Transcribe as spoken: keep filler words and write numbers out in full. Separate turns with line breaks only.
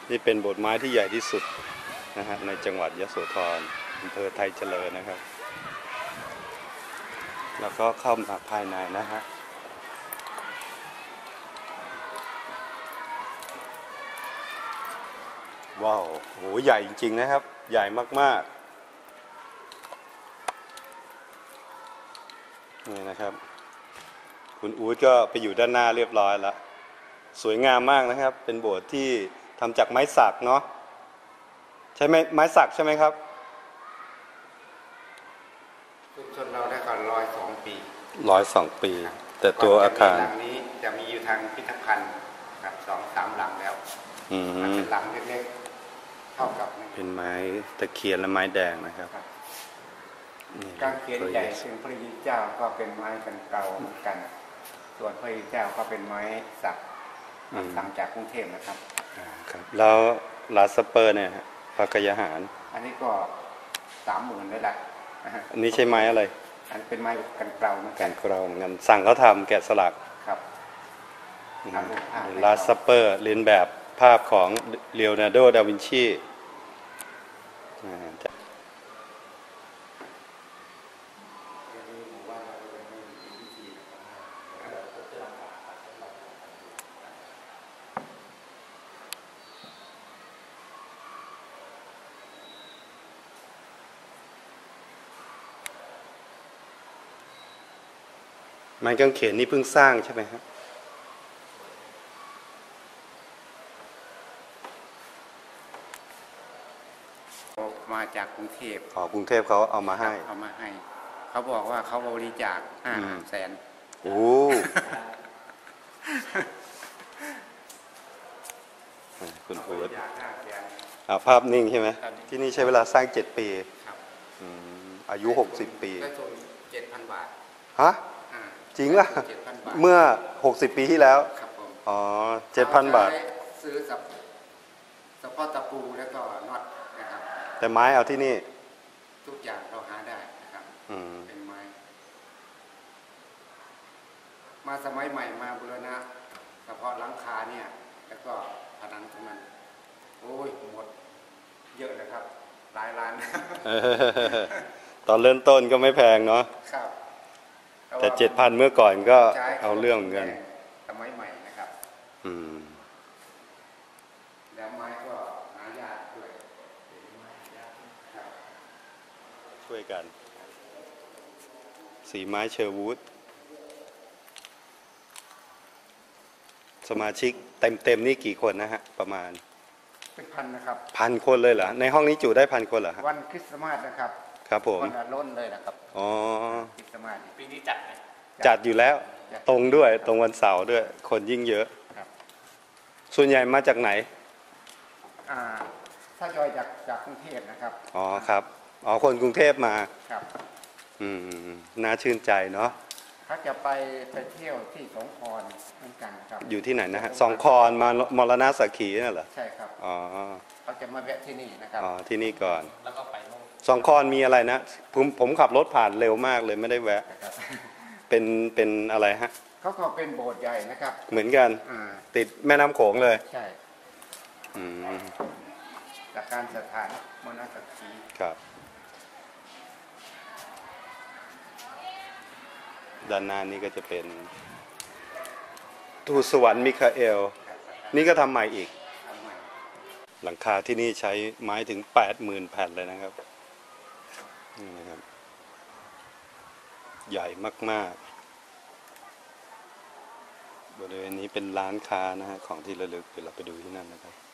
นี่เป็นโบสถ์ไม้ที่ใหญ่ที่สุดนะฮะในจังหวัดยโสธรอำเภอไทยเจริญนะครับแล้วก็เข้ามาภายในนะฮะว้าวโหใหญ่จริงๆนะครับใหญ่มากๆนี่นะครับคุณอู๊ดก็ไปอยู่ด้านหน้าเรียบร้อยแล้วสวยงามมากนะครับเป็นโบสถ์ที่ทำจากไม้สักเนาะใช่ไหมไม้สักใช่ไหมครับ
ชุมชนเราได้ก่อนร้อยสองปี
ร้อยสองปีแต่ตัวอาคาร
หลังนี้จะมีอยู่ทางพิพิธภัณฑ์กับสองสามหลังแล้วมันเป็นหลังเล็กๆเท่ากับ
เป็นไม้ตะเคียนและไม้แดงนะครับ
กางเขนใหญ่เป็นพระยิเจ้าก็เป็นไม้กันเก่าเหมือนกันส่วนพระยิเจ้าก็เป็นไม้สักสั่งจากกรุงเทพนะครับ
ครับแล้วลาสเปอร์เนี่ยพระกยาหาร
อันนี้ก็สามหมื่นเลยแหละ
อันนี้ใช่ไม้อะไร
อันเป็นไม้กันเกลาเหมือนกัน
กันเกลาเหมือนกันสั่งเขาทำแกะสลัก
ครับ
ลาสเปอร์เรียนแบบภาพของเลโอนาร์โด ดาวินชีไม้กางเขนนี่เพิ่งสร้างใช่ไหมครับ
มาจากกรุงเทพ
อ๋อกรุงเทพเขาเอามาให้
เอามาให้เขาบอกว่าเขาบริจาคห้าแสน
โอ้คุณอู๊ดภาพนิ่งใช่ไหมที่นี่ใช้เวลาสร้างเจ็ดปีอายุหกสิบปี
ได้ทุนเจ็ดพันบาท
ฮะจริงล่ะเมื่อหกสิบปีที่แล้วอ๋อเจ็ดพันบาท
ซื้อสับสปอตตะปูแล้วก็น็อตนะครับ
แต่ไม้เอาที่นี่
ทุกอย่างเราหาได้นะครับเป็นไม้มาสมัยใหม่มาบูรณะเฉพาะหลังคาเนี่ยแล้วก็ผนังตรงนั้นโอ้ยหมดเยอะนะครับหลายล้าน
ตอนเริ่มต้นก็ไม่แพงเนาะแต่เจ็ดพันเมื่อก่อนก็เอาเรื่องเหมือนกัน
สมัยใหม่นะครับ
อืม
แล้วไม้ก็หายากด้วย
ช่วยกันสีไม้เชอร์วูดสมาชิกเต็มเต็มนี่กี่คนนะฮะประมาณ
เป็นพันนะครับ
พันคนเลยเหรอในห้องนี้จุได้พันคนเหรอฮะ
วันคริสต์มาสนะครับ
ครับผม
วันล้นเลยนะครับ
อ๋อ
คริสต์มาสปีนี้จัดไหม
จัดอยู่แล้วตรงด้วยตรงวันเสาร์ด้วยคนยิ่งเยอะส่วนใหญ่มาจากไหน
ถ้าจอยจากจากกรุงเทพนะครับ
อ๋อครับอ๋อคนกรุงเทพมา
ครับ
อืมน่าชื่นใจเนาะ
ถ้าจะไปไปเที่ยวที่สองคอนเหมือนกันครับ
อยู่ที่ไหนนะฮะสองคอนมามรณะสักขีนั่นเหรอ
ใช่ครับ
อ๋อ
เขาจะมาแวะที่นี่นะครับ
อ๋อที่นี่ก่อน
แล้วก็ไป
สองคอนมีอะไรนะผมผมขับรถผ่านเร็วมากเลยไม่ได้แวะเป็นเป็นอะไรฮะ
เขาก็เป็นโบสถ์ใหญ่นะครับ
เหมือนกันติดแม่น้ำโขงเลย
ใช่จากการสถานมรณะสักขี
ครับด้านหน้านี้ก็จะเป็นทูตสวรรค์มิคาเอลนี่ก็ทำใหม่อีกหลังคาที่นี่ใช้ไม้ถึงแปดหมื่นแผ่นเลยนะครับนี่นะครับใหญ่มากๆบริเวณนี้เป็นร้านค้านะฮะของที่ระลึกเดี๋ยวเราไปดูที่นั่นนะครับ